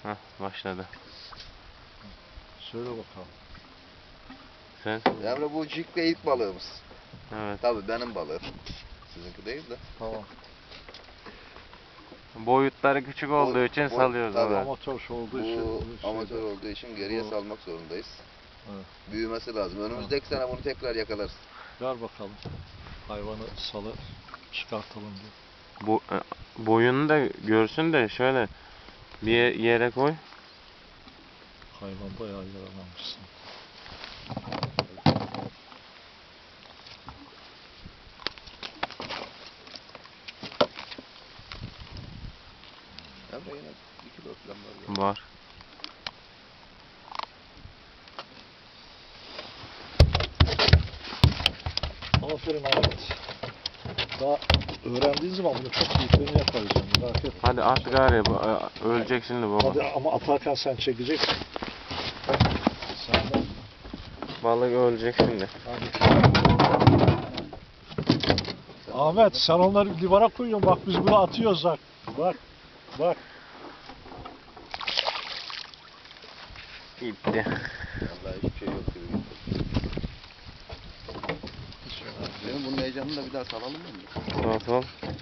Heh, başladı. Söyle bakalım. Sen? Emre bu cikle ilk balığımız. Evet. Tabii benim balığım. Sizinki değil de. Tamam. Boyutları küçük olduğu için salıyoruz. tabii. Evet. Amatör olduğu için. Bu amatör olduğu için geriye salmak zorundayız. Evet. Büyümesi lazım. Önümüzdeki sene bunu tekrar yakalarız. Ver bakalım. Hayvanı salı çıkartalım diye. Boyunu da görsün de şöyle bir yere koy. Hayvan bayağı yaralanmışsın. Emre yine 2 kilo falan var. Var. Aferin Ahmet. Daha öğrendiğin zaman bunu çok büyüklerini yaparız yani. Merak etme. Hadi at gari. Ölecek şimdi baba. Hadi ama atarken sen çekeceksin. Sen de. Balık ölecek şimdi. Hadi. Ahmet sen onları divara koyuyorsun. Bak biz bunu atıyoruz bak. Bak. Bak. Gitti. Vallahi hiçbir şey yok gibi gitti. Benim bunun heyecanını da bir daha salalım mı? Nasıl?